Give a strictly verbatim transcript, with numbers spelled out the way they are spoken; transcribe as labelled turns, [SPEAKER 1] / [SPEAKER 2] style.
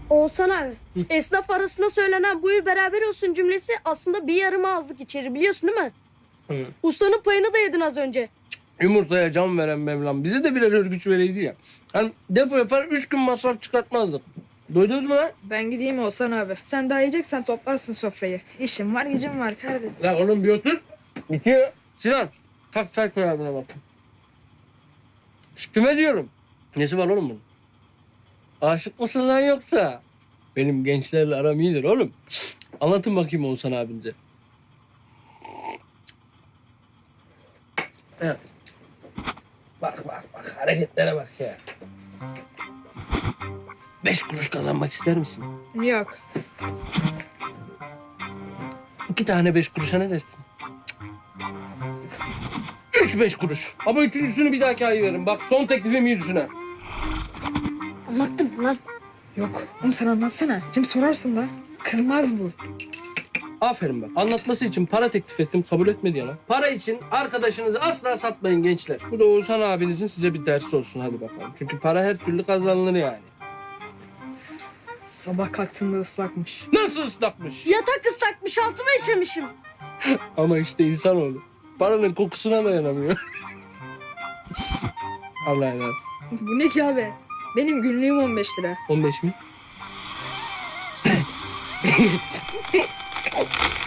[SPEAKER 1] Oğuzhan abi, Hı. esnaf arasında söylenen buyur beraber olsun cümlesi aslında bir yarım ağızlık içeri biliyorsun değil mi? Hı. Ustanın payını da yedin az önce.
[SPEAKER 2] Yumurtaya can veren Mevlam bize de birer örgüç vereydi ya. Hani depo yapar üç gün masraf çıkartmazdık. Duydunuz mu lan?
[SPEAKER 3] Ben gideyim Oğuzhan abi. Sen daha yiyeceksen toplarsın sofrayı. İşim var, gücüm var kardeşim.
[SPEAKER 2] Ya oğlum bir otur. Bitiyor. Sinan kalk çay koy abine bak. Şş, kime diyorum? Nesi var oğlum bunun? Aşık mısın lan yoksa? Benim gençlerle aram iyidir oğlum. Anlatın bakayım Oğuzhan abinize. Evet. Bak bak bak hareketlere bak ya. Beş kuruş kazanmak ister misin?
[SPEAKER 3] Yok.
[SPEAKER 2] İki tane beş kuruşa ne dersin? Cık. Üç beş kuruş. Ama üçüncüsünü bir dahaki ay veririm. Bak son teklifim iyi düşün ha.
[SPEAKER 1] Anlattım mı lan?
[SPEAKER 3] Yok. Oğlum sen anlatsana. Hem sorarsın da. Kızmaz bu.
[SPEAKER 2] Aferin bak. Anlatması için para teklif ettim. Kabul etmedi ya lan. Para için arkadaşınızı asla satmayın gençler. Bu da Oğuzhan abinizin size bir dersi olsun. Hadi bakalım. Çünkü para her türlü kazanılır yani.
[SPEAKER 3] Sabah kalktığında ıslakmış.
[SPEAKER 2] Nasıl ıslakmış?
[SPEAKER 1] Yatak ıslakmış, altıma işemişim.
[SPEAKER 2] Ama işte insanoğlu. Paranın kokusuna dayanamıyor. Allah'a emanet.
[SPEAKER 3] Bu ne ki abi? Benim günlüğüm on beş lira.
[SPEAKER 2] on beş mi?